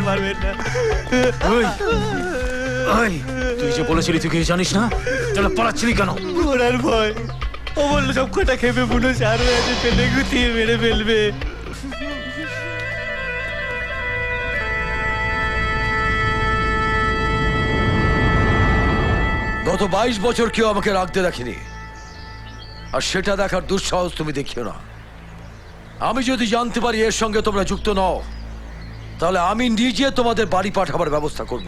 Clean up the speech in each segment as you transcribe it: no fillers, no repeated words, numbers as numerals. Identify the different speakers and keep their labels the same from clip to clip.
Speaker 1: পারবেন না।
Speaker 2: তুই যে বলেছিলি তুই কিছু জানিস না, তাহলে পালাচ্ছিলি কেন?
Speaker 1: ঘোড়ার ভয়। ও বললো সব কটা খেপে বুনো চার হয়ে আছে, ফেলে গুতিয়ে মেরে ফেলবে।
Speaker 3: গত 22 বছর কেউ আমাকে রাখতে দেখেনি, আর সেটা দেখার দুঃসাহস তুমি দেখিও না। আমি যদি জানতে পারি এর সঙ্গে তোমরা যুক্ত নও, তাহলে আমি নিজে তোমাদের বাড়ি পাঠাবার ব্যবস্থা করব।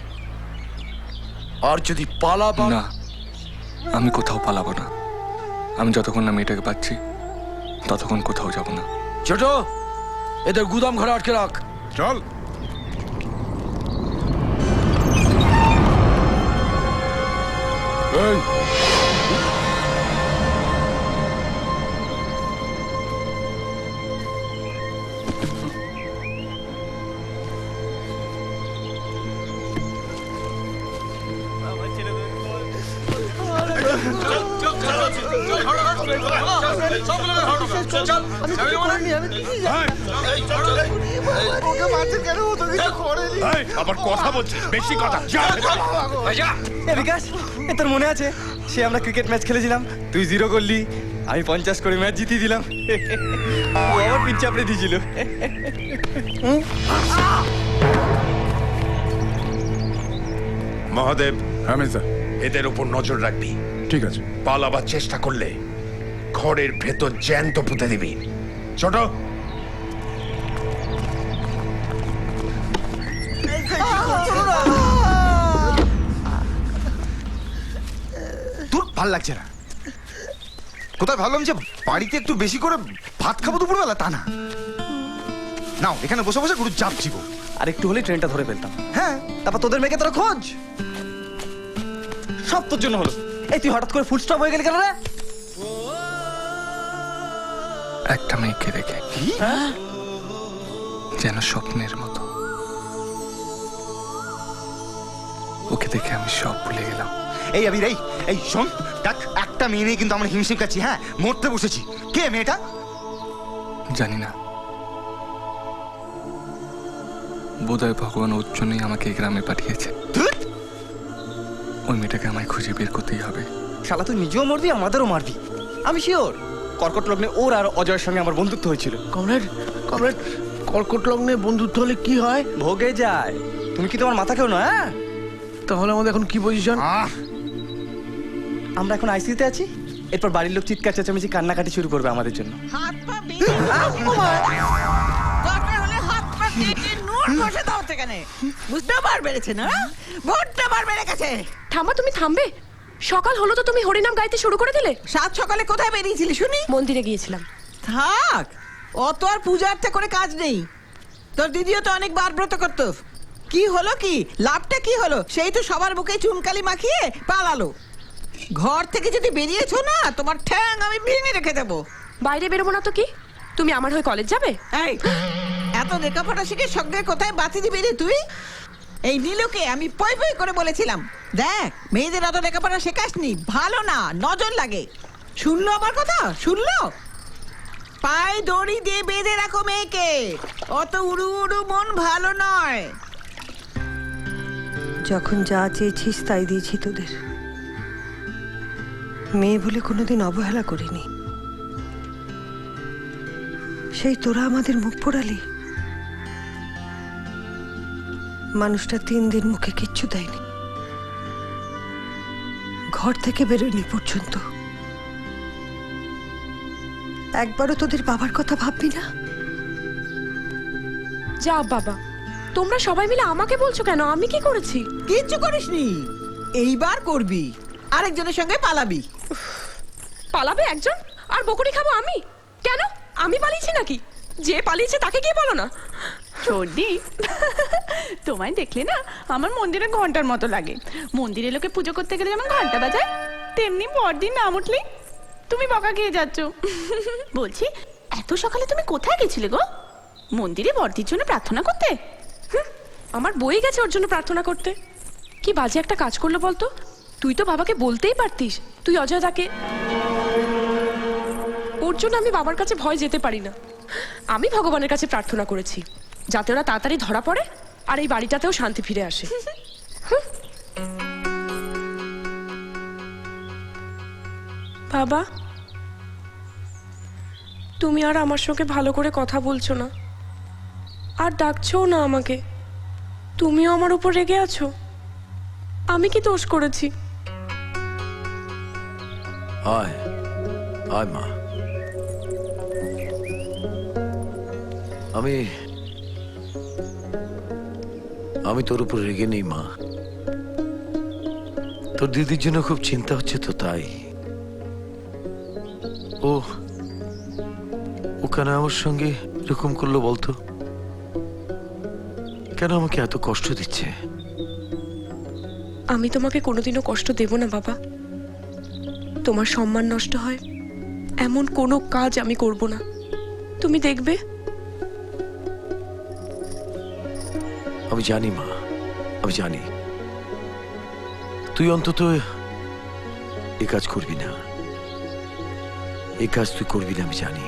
Speaker 3: আর যদি পালাবা
Speaker 4: না, আমি কোথাও পালাবো না। আমি যতক্ষণ না মেয়েটাকে পাচ্ছি ততক্ষণ কোথাও যাব না।
Speaker 3: ছোট, এদের গুদাম ঘরে আটকে রাখ।
Speaker 5: চল।
Speaker 3: এই,
Speaker 5: আবার কথা বলছিস, বেশি কথা।
Speaker 1: বিকাশ, তোর মনে আছে সে আমরা ক্রিকেট ম্যাচ খেলেছিলাম, তুই 0 করলি, আমি 50 করে ম্যাচ জিতিয়ে দিলাম। ও আবার পিচ চাপড়ে দিয়েছিল।
Speaker 5: মহাদেব,
Speaker 6: হ্যাঁ মেজদা,
Speaker 5: এদের উপর নজর রাখবি।
Speaker 6: ঠিক আছে।
Speaker 5: পালাবার চেষ্টা করলে ঘরের ভেতর জ্যান্ত পুঁতে দিবি। ছোট,
Speaker 7: তোর ভাল লাগছে না? কোথায় ভাবলাম যে বাড়িতে একটু বেশি করে ভাত খাবো দুপুরবেলা, তা না। নাও এখানে বসে বসে গুরু চাপ চিবো।
Speaker 1: আর একটু হলে ট্রেনটা ধরে ফেলতাম।
Speaker 7: হ্যাঁ,
Speaker 1: তারপর তোদের মেয়েকে তোরা খোঁজ, সব তোর জন্য হলো। এই তুই হঠাৎ করে ফুল স্টপ হয়ে গেলি কেন রে?
Speaker 4: একটা মেয়েকে দেখে যেন স্বপ্নের মতো, ওকে দেখে আমি সব ভুলে গেলাম।
Speaker 7: এই আবির, এই শোন, দেখ একটা মেয়ে নিয়ে কিন্তু আমরা হিমশিম খাচ্ছি। হ্যাঁ, মরতে বসেছি। কে মেয়েটা?
Speaker 4: জানি না, বোধহয় ভগবান ওর জন্যই আমাকে এই গ্রামে পাঠিয়েছে।
Speaker 7: ধুৎ!
Speaker 4: ওই মেয়েটাকে আমায় খুঁজে বের করতেই হবে।
Speaker 1: শালা তুই নিজেও মারবি, আমাদেরও মারবি। আমি শিওর কর্কট লগ্নে ওর আর অজয়ের সঙ্গে আমার বন্ধুত্ব হয়েছিল।
Speaker 2: কমরেড, কর্কট লগ্নে বন্ধুত্ব হলে কি হয়?
Speaker 1: ভোগে যায়। তুমি কি তোমার মাথা কেউ না? হ্যাঁ,
Speaker 2: তাহলে আমাদের এখন কি পজিশন?
Speaker 1: আমরা এখন আইসিইউতে আছি। এরপর বাড়ির লোক চিৎকার চেঁচামেচি কান্নাকাটি শুরু করবে আমাদের জন্য।
Speaker 8: হাত পা বেঁধে দরকার হলে হাত পা কেটে নুন ঘষে দাও সেখানে। বুঝতে বার বেড়েছে না? ভোটটা বার বেড়ে গেছে।
Speaker 9: থামা, তুমি থামবে? সকাল হলো তো তুমি হরিনাম গাইতে শুরু করে দিলে।
Speaker 8: সাত সকালে কোথায় বেরিয়েছিলি শুনি?
Speaker 9: মন্দিরে গিয়েছিলাম।
Speaker 8: থাক, অত আর পূজা আর্চা করে কাজ নেই। তোর দিদিও তো অনেকবার ব্রত করতো। কি হলো, কি লাভটা কি হলো? সেই তো সবার বুকে চুনকালি মাখিয়ে পালালো। ঘর থেকে যদি বেরিয়েছো না, তোমার ঠ্যাং আমি ভেঙে রেখে দেবো।
Speaker 9: বাইরে বেরোবো না তো কি? তুমি আমার হয়ে কলেজ যাবে?
Speaker 8: এই, এত লেখাপড়া শিখে সঙ্গে কোথায় বাতি দিবি রে তুই? এই নীলুকে আমি পই পই করে বলেছিলাম, দেখ মেয়েদের অত লেখাপড়া শেখাসনি, ভালো না, নজর লাগে। শুনলো আমার কথা? শুনলো? পায়ে দড়ি দিয়ে বেঁধে রাখো মেয়েকে, অত উড়ু উড়ু মন ভালো নয়।
Speaker 10: যখন যা চেয়েছিস তাই দিয়েছি তোদের। মেয়ে বলে কোনোদিন অবহেলা করিনি। সেই তোরা আমাদের মুখ পোড়ালি। মানুষটা 3 দিন মুখে কিচ্ছু দেয়নি, ঘর থেকে বেরোয়নি পর্যন্ত। একবারও তোদের বাবার কথা ভাববি না?
Speaker 9: যাও বাবা, তোমরা সবাই মিলে আমাকে বলছো কেন? আমি কি করেছি?
Speaker 8: কিচ্ছু করিসনি, এইবার করবি। আরেকজনের সঙ্গে পালাবি।
Speaker 9: পালাবে একজন, আর বকুনি খাবো আমি? কেন, আমি পালিয়েছি নাকি? যে পালিয়েছে তাকে কি বলো না?
Speaker 11: সর্দি, তোমায় দেখলে না আমার মন্দিরে ঘন্টার মতো লাগে। মন্দিরে লোকে পুজো করতে গেলে যেমন ঘন্টা বাজায়, তেমনি পরদিন নাম উঠলেই তুমি বকা খেয়ে যাচ্ছ। বলছি, এত সকালে তুমি কোথায় গেছিলে গো? মন্দিরে বর্দির জন্য প্রার্থনা করতে?
Speaker 9: আমার বই গেছে ওর জন্য প্রার্থনা করতে। কি বাজে একটা কাজ করলো বলতো? তুই তো বাবাকে বলতেই পারতিস তুই অজয় দাকে। ওর জন্য আমি বাবার কাছে ভয় যেতে পারি না। আমি ভগবানের কাছে প্রার্থনা করেছি যাতে ওরা তাড়াতাড়ি ধরা পড়ে, আর এই বাড়িটাতেও শান্তি ফিরে আসে। বাবা, তুমি আর আমার সঙ্গে ভালো করে কথা বলছো না, আর ডাকছোও না আমাকে। তুমিও আমার উপর রেগে আছো? আমি কি দোষ করেছি?
Speaker 3: আয় আয় মা। আমি তোর উপর রেগে নেই মা। তোর দিদির জন্য খুব চিন্তা হচ্ছে তো, তাই। ও কেন আমার সঙ্গে এরকম করলো বলতো? কেন আমাকে এত কষ্ট দিচ্ছে?
Speaker 9: আমি তোমাকে কোনোদিনও কষ্ট দেব না বাবা। তোমার সম্মান নষ্ট হয় এমন কোনো কাজ আমি করব না, তুমি দেখবে।
Speaker 3: আমি জানি মা, আমি জানি তুই অন্তত এ কাজ করবি না, এ কাজ তুই করবি না, আমি জানি।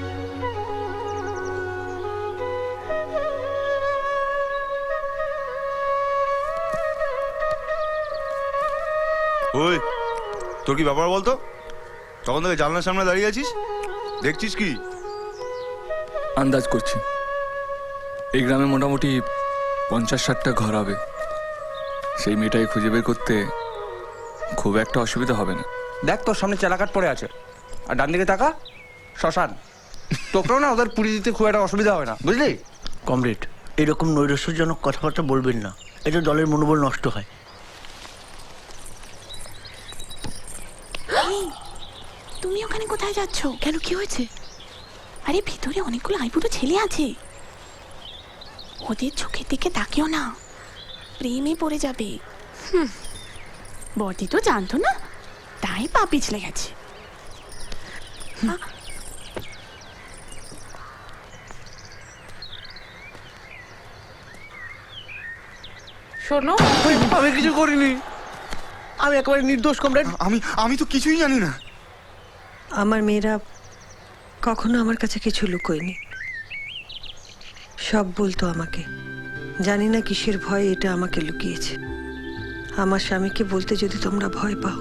Speaker 7: ওই, তোর কি ব্যাপার বলতো? তখন থেকে জানলার সামনে দাঁড়িয়ে আছিস, দেখছিস কি?
Speaker 4: আন্দাজ করছি এই গ্রামে মোটামুটি 50-60টা ঘর হবে। সেই মেয়েটাই খুঁজে বের করতে খুব একটা অসুবিধা হবে না।
Speaker 1: দেখ, তোর সামনে চালাকাট পড়ে আছে, আর ডান দিকে তাকা শ্মশান। তোকেও না ওদের পুড়িয়ে দিতে খুব একটা অসুবিধা হবে না, বুঝলি?
Speaker 6: কমরেড, এরকম নৈরাশ্যজনক কথাবার্তা বলবেন না, এতে দলের মনোবল নষ্ট হয়।
Speaker 11: তুমি ওখানে কোথায় যাচ্ছ? কেন, কি হয়েছে? আরে ভিতরে অনেকগুলো আইবুড়ো ছেলে আছে, ওদের চোখের দিকে তাকিও না, প্রেমে পড়ে যাবে। বড়দি তো জানতো না, তাই পা পিছলে গেছে।
Speaker 6: শোনো, আমি কিছু করিনি, আমি একেবারে নির্দোষ কমরেড।
Speaker 7: আমি তো কিছুই জানি না।
Speaker 10: আমার মেয়েরা কখনো আমার কাছে কিছু লুকোয়নি, সব বলতো আমাকে। জানি না কিসের ভয় এটা আমাকে লুকিয়েছে। আমার স্বামীকে বলতে যদি তোমরা ভয় পাও,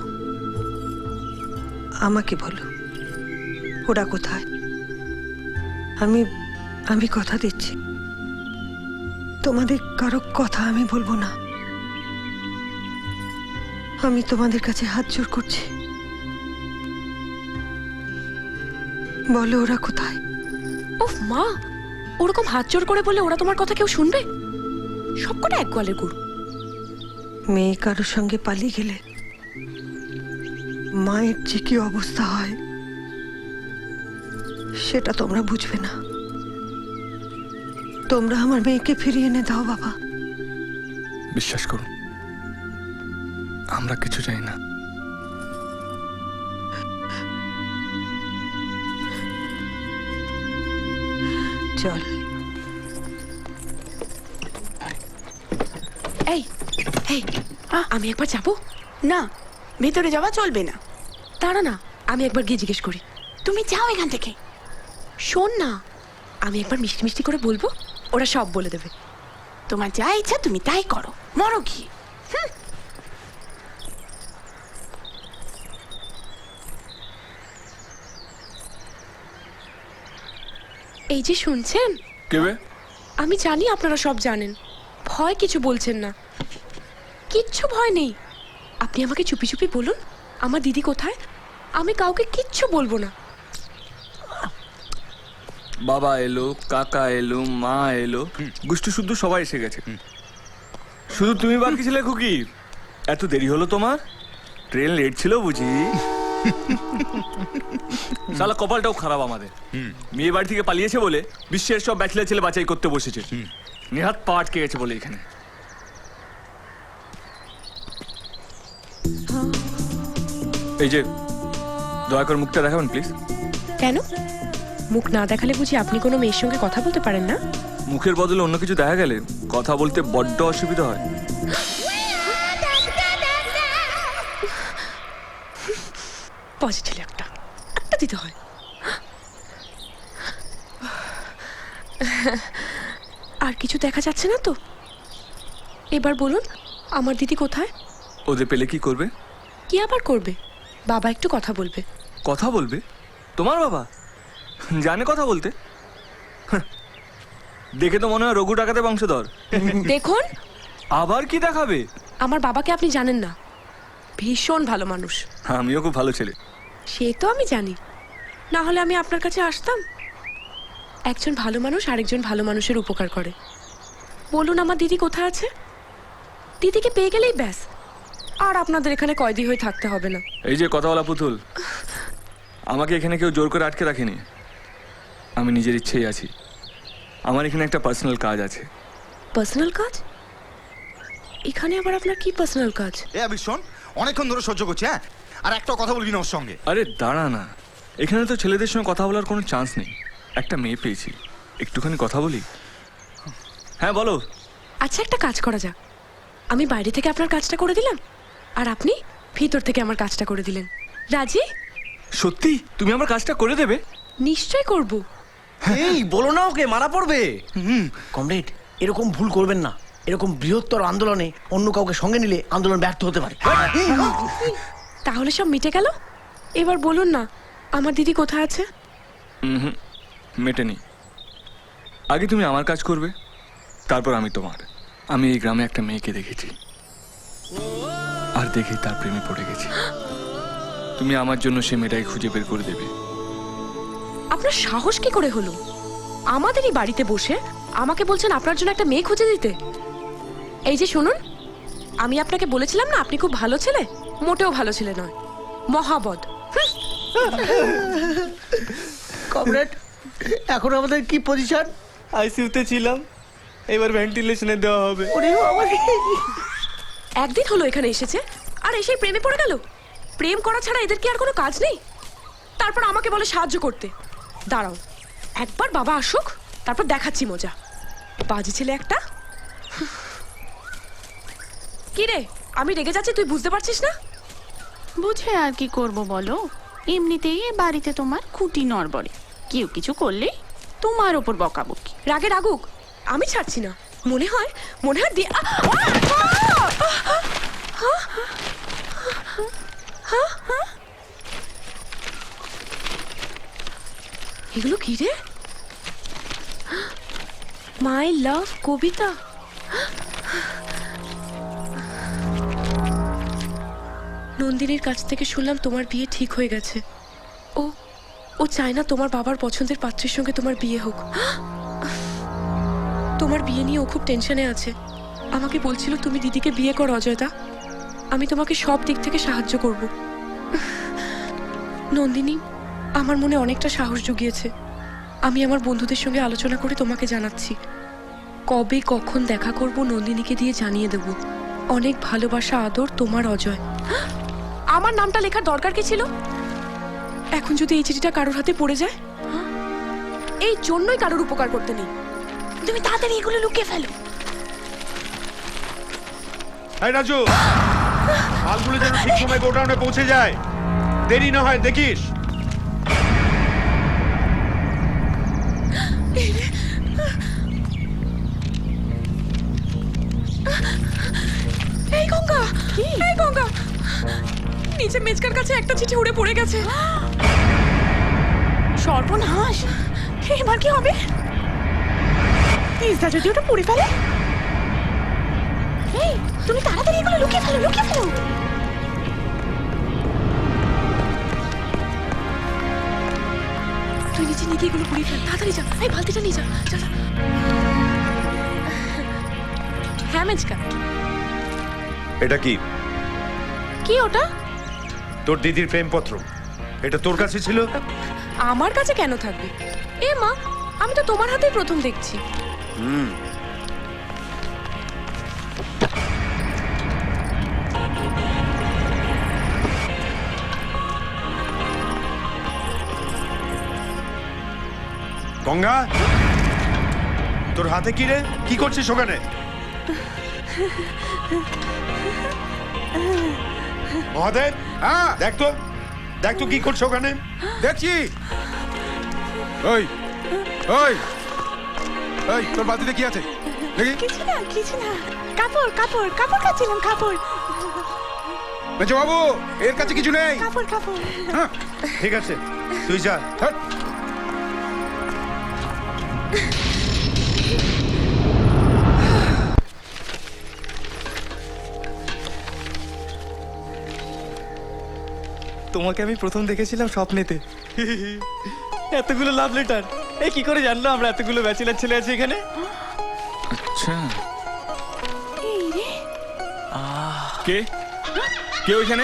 Speaker 10: আমাকে বলো ওরা কোথায়। আমি কথা দিচ্ছি, তোমাদের কারো কথা আমি বলবো না। আমি তোমাদের কাছে হাত জোড় করছি, বলো ওরা কোথায়।
Speaker 9: উফ মা, ওরকম হাত জোর করে বলে ওরা তোমার কথা কেউ শুনবে? সবকটা এক গোয়ালের গরু।
Speaker 10: মেয়ে কারোর সঙ্গে পালিয়ে গেলে মায়ের যে কি অবস্থা হয় সেটা তোমরা বুঝবে না। তোমরা আমার মেয়েকে ফিরিয়ে এনে দাও বাবা।
Speaker 4: বিশ্বাস করুন, আমরা কিছু চাই না।
Speaker 10: চল।
Speaker 9: এই এই, আমি একবার যাবো।
Speaker 11: না, ভেতরে যাওয়া চলবে না।
Speaker 9: দাঁড়া না, আমি একবার গিয়ে জিজ্ঞেস করি।
Speaker 11: তুমি যাও এখান থেকে।
Speaker 9: শোন না, আমি একবার মিষ্টি মিষ্টি করে বলবো, ওরা সব বলে দেবে।
Speaker 11: তোমার যা ইচ্ছা তুমি তাই করো, মরো কি।
Speaker 9: এই যে শুনছেন,
Speaker 4: কেবে?
Speaker 9: আমি জানি আপনারা সব জানেন, ভয় কিছু বলছেন না। কিচ্ছু ভয় নেই, আপনি আমাকে চুপি চুপি বলুন আমার দিদি কোথায়। আমি কাউকে কিচ্ছু বলবো না।
Speaker 4: বাবা এলো, কাকা এলো, মা এলো, গোষ্ঠী শুদ্ধ সবাই এসে গেছে। শুধু তুমি বাকি ছিলে খুকি। এত দেরি হলো তোমার? ট্রেন লেট ছিল বুঝি? শালা কপালটাও খারাপ আমাদের। মেয়ে বাড়ি থেকে পালিয়েছে বলে বিশ্বের সব ব্যাচেলার ছেলে বাছাই করতে বসেছে। নেহাত পা আটকে গেছে বলে এখানে। এই যে দয়া করে মুখটা দেখাবেন প্লিজ।
Speaker 9: কেন, মুখ না দেখালে বুঝি আপনি কোনো মেয়ের সঙ্গে কথা বলতে পারেন না?
Speaker 4: মুখের বদলে অন্য কিছু দেখা গেলে কথা বলতে বড্ড অসুবিধা হয়।
Speaker 9: পজিটিভ একটা দিতে হয়। আর কিছু দেখা যাচ্ছে না তো? এবার বলুন আমার দিদি কোথায়?
Speaker 4: ওদের পেলে কি করবে?
Speaker 9: কি আবার করবে? বাবা একটু কথা বলবে।
Speaker 4: কথা বলবে? তোমার বাবা জানে কথা বলতে? হাহ, দেখে তো মনে হয় রঘু ডাকাতে বংশধর।
Speaker 9: দেখুন
Speaker 4: আবার কি দেখাবে?
Speaker 9: আমার বাবাকে আপনি জানেন না, ভীষণ ভালো মানুষ।
Speaker 4: আমিও খুব ভালো ছেলে।
Speaker 9: সে তো আমি জানি, না হলে আমি আপনার কাছে আসতাম? একজন ভালো মানুষ আরেকজন ভালো মানুষের উপকার করে। বলুন আমার দিদি কোথায় আছে? দিদিকে পেয়ে গেলেই ব্যাস, আর আপনাদের এখানে কয়দি হয়ে থাকতে হবে না।
Speaker 4: এই যে কথা বলা পুতুল, আমাকে এখানে কেউ জোর করে আটকে রাখেনি, আমি নিজের ইচ্ছেই আছি। আমার এখানে একটা পার্সোনাল কাজ আছে।
Speaker 9: পার্সোনাল কাজ? এখানে আবার আপনার কি পার্সোনাল কাজ?
Speaker 7: এ আবির শোন, অনেকক্ষণ ধরে সহ্য করছি, হ্যাঁ? আর একটা কথা বলবি না ওর সঙ্গে।
Speaker 4: আরে দাঁড়া না, এখানে তো ছেলেদের সঙ্গে কথা বলার কোনো চান্স নেই। একটা মেয়ে পেয়েছি, একটুখানি কথা বলি। হ্যাঁ বলো।
Speaker 9: আচ্ছা একটা কাজ করা যাক, আমি বাইরে থেকে আপনার কাজটা করে দিলাম, আর আপনি ভিতর থেকে আমার কাজটা করে দিলেন। রাজি?
Speaker 4: সত্যি তুমি আমার কাজটা করে দেবে?
Speaker 9: নিশ্চয় করব।
Speaker 6: এই বলো না ওকে, মারা পড়বে। কমরেড, এরকম ভুল করবেন না। এরকম বৃহত্তর আন্দোলনে অন্য কাউকে সঙ্গে নিলে আন্দোলন ব্যর্থ হতে পারে।
Speaker 9: তাহলে সব মিটে গেল। এবার বলুন না আমার দিদি কোথায় আছে?
Speaker 4: হুম, মেটেনি। আগে তুমি আমার কাজ করবে, তারপর আমি তোমার। আমি এই গ্রামে একটা মেয়েকে দেখেছি, আর দেখেই তার প্রেমে পড়ে গেছি। তুমি আমার জন্য সে মেয়েটাকে খুঁজে বের করে দেবে।
Speaker 9: আপনার সাহস কি করে হলো আমাদেরই বাড়িতে বসে আমাকে বলছেন আপনার জন্য একটা মেয়ে খুঁজে দিতে? এই যে শুনুন, আমি আপনাকে বলেছিলাম না আপনি খুব ভালো ছেলে। মোটেও ভালো ছেলে নয়, মহাবদ।
Speaker 6: কমরেড, এখন আমাদের কি পজিশন?
Speaker 1: আইসিইউতে ছিলাম, এবার ভেন্টিলেশনে দেওয়া হবে।
Speaker 6: ওরে বাবা রে।
Speaker 9: একদিন হলো এখানে এসেছে আর এসেই প্রেমে পড়ে গেল। প্রেম করা ছাড়া এদের কি আর কোনো কাজ নেই? তারপর আমাকে বলে সাহায্য করতে। দাঁড়াও, একবার বাবা আসুক, তারপর দেখাচ্ছি মজা। বাজে ছেলে একটা। কি রে, আমি রেগে যাচ্ছি, তুই বুঝতে পারছিস না?
Speaker 11: বুঝে আর কি করব বলো, এমনিতেই এ বাড়িতে তোমার খুঁটি নড়বড়ে। কেউ কিছু করলে তোমার ওপর বকাবকি।
Speaker 9: রাগে রাগুক, আমি ছাড়ছি না। মনে হয় দিয়ে এগুলো কি রে? মাই লাভ কবিতা। নন্দিনীর কাছ থেকে শুনলাম তোমার বিয়ে ঠিক হয়ে গেছে। ও চায় না তোমার বাবার পছন্দের পাত্রের সঙ্গে তোমার বিয়ে হোক। তোমার বিয়ে নিয়ে ও খুব টেনশনে আছে। আমাকে বলছিল তুমি দিদিকে বিয়ে করো অজয়দা, আমি তোমাকে সব দিক থেকে সাহায্য করব। নন্দিনী আমার মনে অনেকটা সাহস জুগিয়েছে। আমি আমার বন্ধুদের সঙ্গে আলোচনা করে তোমাকে জানাচ্ছি। কবে কখন দেখা করব নন্দিনীকে দিয়ে জানিয়ে দেব। অনেক ভালোবাসা, আদর, তোমার অজয়। আমার নামটা লেখার দরকার কি ছিল? এখন যদি এই চিঠিটা কারোর হাতে পড়ে যায়, এই জন্যই কারোর উপকার করতে নেই। তুমি তাড়াতাড়ি এগুলো লুকিয়ে ফেলো।
Speaker 5: এই রাজু, মালগুলো যেন ঠিক সময় গোডাউনে পৌঁছে যায়, দেরি না হয় দেখিস।
Speaker 9: এই গঙ্গা, এই গঙ্গা, নিচে মেজকার কাছে একটা চিঠি উড়ে পড়ে গেছে।
Speaker 11: সর্বনাশ, এবার কি হবে? তিস্তা যদি ওটা পড়ে ফেলে? এই তুমি তাড়াতাড়ি এগুলো লুকিয়ে ফেলো, লুকিয়ে ফেলো।
Speaker 9: তুই নিচে নিয়ে গিয়ে এগুলো পুড়িয়ে ফেল, তাড়াতাড়ি যা। এই বালতিটা নিয়ে যা, যা যা। হ্যাঁ মেজকা,
Speaker 5: এটা কি?
Speaker 9: কি ওটা?
Speaker 5: তোর দিদির প্রেমপত্র। এটা তোর কাছে ছিল?
Speaker 9: আমার কাছে কেন থাকবে? এ মা, আমি তো তোমার হাতেই প্রথম দেখছি।
Speaker 5: গঙ্গা, তোর হাতে কি রে? কি করছিস ওখানে? মহাদেব,
Speaker 7: হ্যাঁ
Speaker 5: দেখ তো কি করছো ওখানে?
Speaker 7: দেখছি। ওই ওই ওই, তোর বালতিতে কি আছে দেখি?
Speaker 11: কিছু না, কিছু না। কাপড় কাপড় কাপড় কাচ্ছিলাম কাপড়
Speaker 5: মেজো বাবু এর কাছে কিছু নেই।
Speaker 11: কাপড় কাপড়
Speaker 5: হ্যাঁ, ঠিক আছে তুই যা। হ্যাঁ।
Speaker 1: তোমাকে আমি প্রথম দেখেছিলাম স্বপ্নেতে। এতগুলো লাভ লেটার, এই কি করে জানলো আমরা এতগুলো ব্যাচেলার ছেলে আছে এখানে?
Speaker 4: আচ্ছা
Speaker 11: এই রে
Speaker 4: কে কে ওইখানে?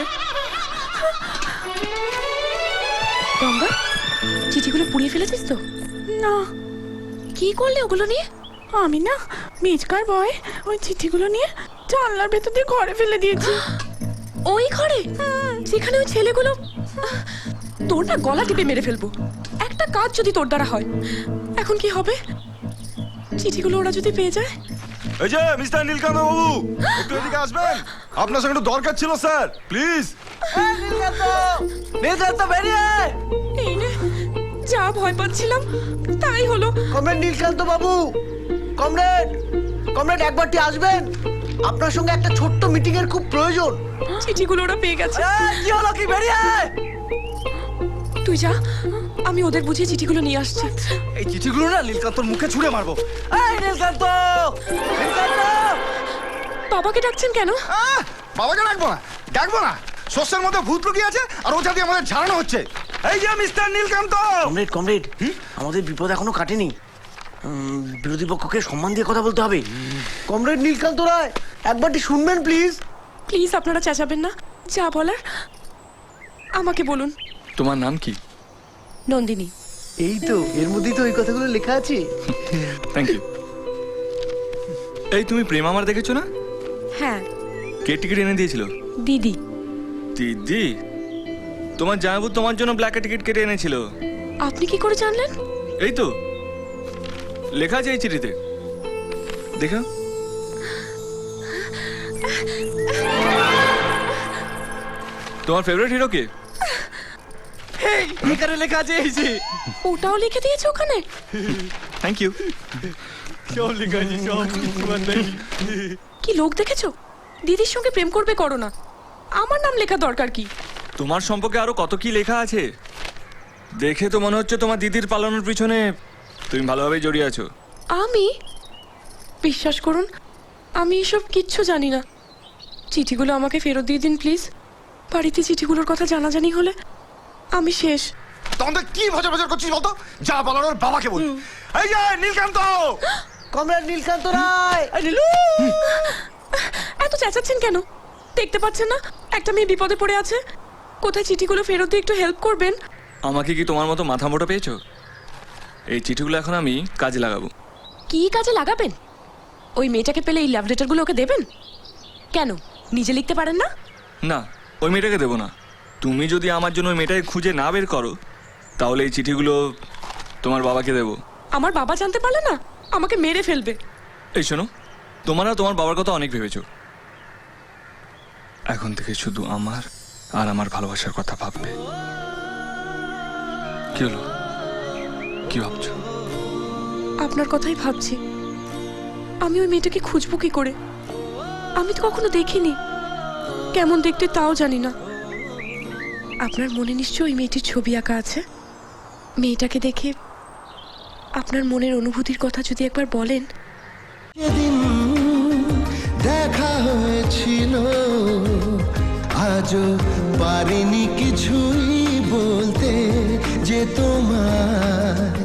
Speaker 9: গঙ্গা, চিঠিগুলো পুড়িয়ে ফেলেছিস তো?
Speaker 11: না
Speaker 9: কি করলে ওগুলো নিয়ে?
Speaker 11: আমি না মিচকার ভয় ওই চিঠিগুলো নিয়ে জানলার ভেতর দিয়ে ঘরে ফেলে দিয়েছি।
Speaker 9: ওই ঘরে যেখানে ওই ছেলেগুলো, তোর না গলা টিপে মেরে ফেলবো একটা কাজ যদি তোর দ্বারা হয়। এখন কি হবে? চিঠিগুলো ওরা যদি পেয়ে যায়?
Speaker 7: এই যে মিস্টার নীলকান্ত বাবু, একটু এদিকে আসবেন, আপনার সঙ্গে একটু দরকার ছিল স্যার, প্লিজ।
Speaker 6: নীলকান্ত বেরিয়ে আয়।
Speaker 9: এই রে, যা ভয় পাচ্ছিলাম তাই হলো।
Speaker 6: কমরেড নীলকান্ত বাবু, কমরেড কমরেড একবারটি আসবেন, আপনার সঙ্গে একটা ছোট্ট মিটিং এর খুব প্রয়োজন।
Speaker 9: চিঠিগুলো ওরা পেয়ে গেছে।
Speaker 6: কি হলো কি, বেরিয়ে আয়।
Speaker 9: তুই যা, আমি ওদের বুঝিয়ে চিঠিগুলো নিয়ে আসছি।
Speaker 1: এই চিঠিগুলো না নীলকান্তর মুখে ছুঁড়ে মারবো।
Speaker 6: এই নীলকান্ত, নীলকান্ত।
Speaker 9: বাবাকে ডাকছেন কেন?
Speaker 7: বাবাকে ডাকবো না, ডাকবো না, শস্যের মধ্যে ভূত লুকিয়ে আছে আর ওটা দিয়ে আমাদের ঝাড়ানো হচ্ছে। এই যে মিস্টার নীলকান্ত।
Speaker 6: কমরেড কমরেড, আমাদের বিপদ এখনো কাটেনি। বিরোধী পক্ষকে সম্মান দিয়ে কথা বলতে হবে। কমরেড নীলকান্ত রায়, একবারটি শুনবেন প্লিজ।
Speaker 9: প্লিজ আপনারা চেঁচাবেন না, যা বলার আমাকে বলুন।
Speaker 4: তোমার নাম কি?
Speaker 9: নন্দিনী।
Speaker 6: এই তো, এর মধ্যেই তো ওই কথাগুলো লেখা আছে।
Speaker 4: Thank you. এই তুমি প্রেম আমার দেখেছো না?
Speaker 9: হ্যাঁ,
Speaker 4: কে টিকিট এনে দিয়েছিল?
Speaker 9: দিদি।
Speaker 4: দিদি? তোমার জামাইবাবু তোমার জন্য ব্ল্যাকে টিকিট কেটে এনেছিল।
Speaker 9: আপনি কি করে জানলেন?
Speaker 4: এই তো লেখা আছে এই চিঠিতে, দেখো। তোমার ফেভারিট হিরো কে?
Speaker 1: এখানে লেখা আছে এই যে।
Speaker 9: ওটাও লিখে দিয়েছে ওখানে?
Speaker 4: Thank you.
Speaker 1: সব লেখা আছে সব।
Speaker 9: কি লোক দেখেছো? দিদির সঙ্গে প্রেম করবে করো না, আমার নাম লেখা দরকার কি?
Speaker 4: তোমার সম্পর্কে আরো কত কি লেখা আছে। দেখে তো মনে হচ্ছে তোমার দিদির পালানোর পিছনে তুমি ভালোভাবেই জড়িয়ে আছো।
Speaker 9: আমি? বিশ্বাস করুন, আমি এসব কিচ্ছু জানি না। চিঠিগুলো আমাকে ফেরত দিয়ে দিন প্লিজ। বাড়িতে চিঠিগুলোর কথা জানাজানি হলে আমি শেষ।
Speaker 7: তখন কি ভজর ভজর করছিস বলতো? যা বলার ওর বাবাকে বল। এই যে নীলকান্ত।
Speaker 6: কমরেড নীলকান্ত রায়।
Speaker 9: এত চেঁচাচ্ছেন কেন? দেখতে পাচ্ছেন না একটা মেয়ে বিপদে পড়ে আছে? কোথায় চিঠিগুলো ফেরত দিয়ে একটু হেল্প করবেন।
Speaker 4: আমাকে কি তোমার মতো মাথা মোটা পেয়েছো? এই চিঠিগুলো এখন আমি কাজে লাগাবো।
Speaker 9: কি কাজে লাগাবেন? ওই মেয়েটাকে পেলে এই লাভ লেটারগুলো ওকে দেবেন? কেন, নিজে লিখতে পারেন না?
Speaker 4: না, ওই মেয়েটাকে দেবো না। তুমি যদি আমার জন্য ওই মেয়েটাকে খুঁজে না বের করো তাহলে এই চিঠিগুলো তোমার বাবাকে দেবো।
Speaker 9: আমার বাবা জানতে পারলে না আমাকে মেরে ফেলবে।
Speaker 4: এই শোনো, তোমরা তোমার বাবার কথা অনেক ভেবেছো, এখন থেকে শুধু আমার আর আমার ভালোবাসার কথা ভাববে। কি হলো, কি ভাবছো?
Speaker 9: আপনার কথাই ভাবছি। আমি ওই মেয়েটাকে খুঁজবো কি করে? আমি তো কখনো দেখিনি, কেমন দেখতে তাও জানি না। আপনার মনে নিশ্চয়ই ওই মেয়েটির ছবি আঁকা আছে। মেয়েটাকে দেখে আপনার মনের অনুভূতির কথা যদি একবার বলেন।
Speaker 12: সেদিন দেখা হয়েছিল, আজও পারিনি কিছুই বলতে যে তোমার